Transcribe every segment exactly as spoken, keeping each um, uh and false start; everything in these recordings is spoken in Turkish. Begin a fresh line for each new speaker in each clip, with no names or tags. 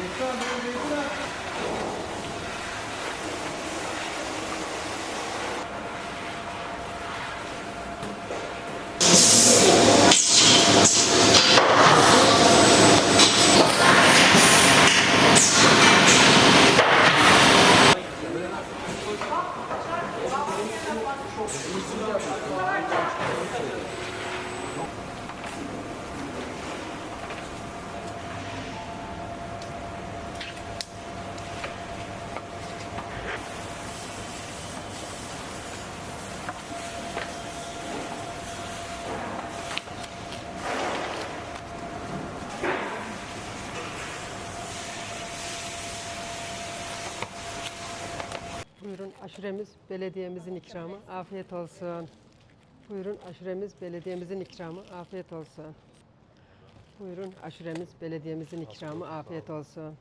Buyurun aşuremiz belediyemizin ikramı. Afiyet olsun. Buyurun aşuremiz belediyemizin ikramı. Afiyet olsun. Buyurun aşuremiz belediyemizin ikramı. Afiyet olsun.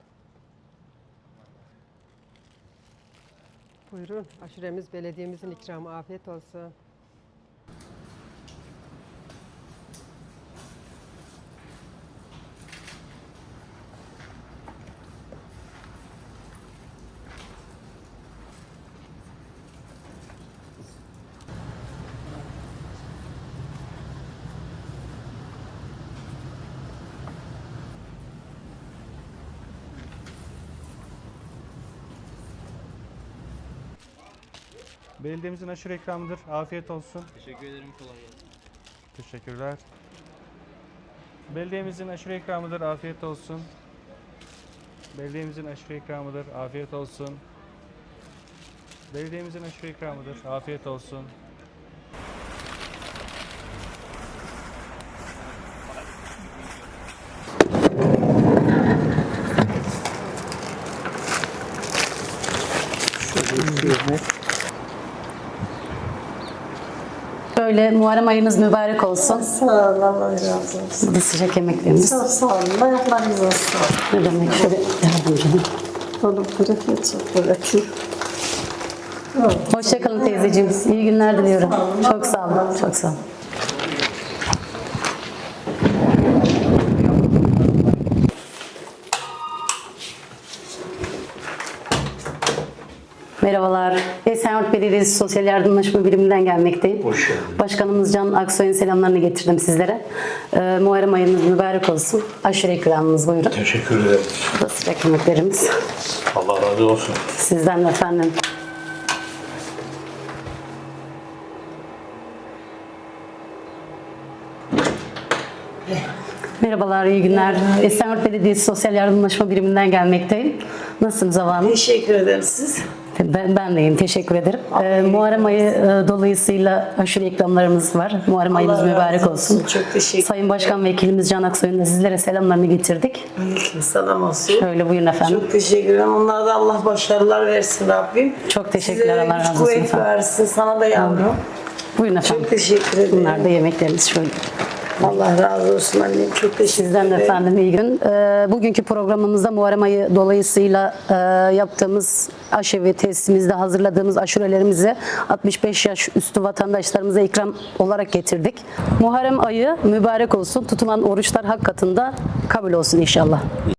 Buyurun aşuremiz belediyemizin ikramı. Afiyet olsun.
Belediyemizin aşure ikramıdır. Afiyet olsun.
Teşekkür ederim. Kolay gelsin.
Teşekkürler. Belediyemizin aşure ikramıdır. Afiyet olsun. Belediyemizin aşure ikramıdır. Afiyet olsun. Belediyemizin aşure ikramıdır. Afiyet olsun.
Böyle Muharrem ayınız mübarek olsun.
Sağ olun, Allah razı olsun.
Bu da sıcak yemeklerimiz.
Çok sağ olun, ayaklarınız olsun.
Ne demek? Şöyle yardımcım.
Oğlum bırakıyor, çok bırakıyor.
Hoşçakalın teyzeciğim. İyi günler diliyorum. Çok sağ olun. Çok sağ olun. Merhabalar. Esenyurt Belediyesi Sosyal Yardımlaşma Biriminden gelmekteyim.
Hoş geldiniz.
Başkanımız Can Aksoy'un selamlarını getirdim sizlere. Ee, Muharrem ayınız mübarek olsun. Aşure ikramınız buyurun.
Teşekkür ederim.
Bu da sıcak yemeklerimiz.
Allah razı olsun.
Sizden de efendim. Merhabalar, iyi günler. Esenyurt Belediyesi Sosyal Yardımlaşma Biriminden gelmekteyim. Nasılsınız Hava Hanım?
Teşekkür ederim siz.
Ben, ben deyim, teşekkür ederim. Ee, Muharrem ayı e, dolayısıyla aşure ikramlarımız var. Muharrem ayınız
Allah razı
mübarek olsun.
olsun. Çok teşekkür
Sayın Başkan Vekilimiz Can Aksoy'un da sizlere selamlarını getirdik.
ederim. Selam olsun.
Şöyle buyurun efendim.
Çok teşekkür ederim. Onlara da Allah başarılar versin Rabbim.
Çok teşekkürler,
Size
Allah
güç
razı olsun
kuvvet
efendim.
versin. Sana da yavrum.
Buyurun efendim.
Çok teşekkür ederim.
Bunlar da yemeklerimiz şöyle.
Allah razı olsun annem. Çok teşekkür
Sizden de
ederim.
efendim iyi gün. Ee, bugünkü programımızda Muharrem ayı dolayısıyla e, yaptığımız aşevi testimizde hazırladığımız aşurelerimizi altmış beş yaş üstü vatandaşlarımıza ikram olarak getirdik. Muharrem ayı mübarek olsun. Tutulan oruçlar hak katında kabul olsun inşallah.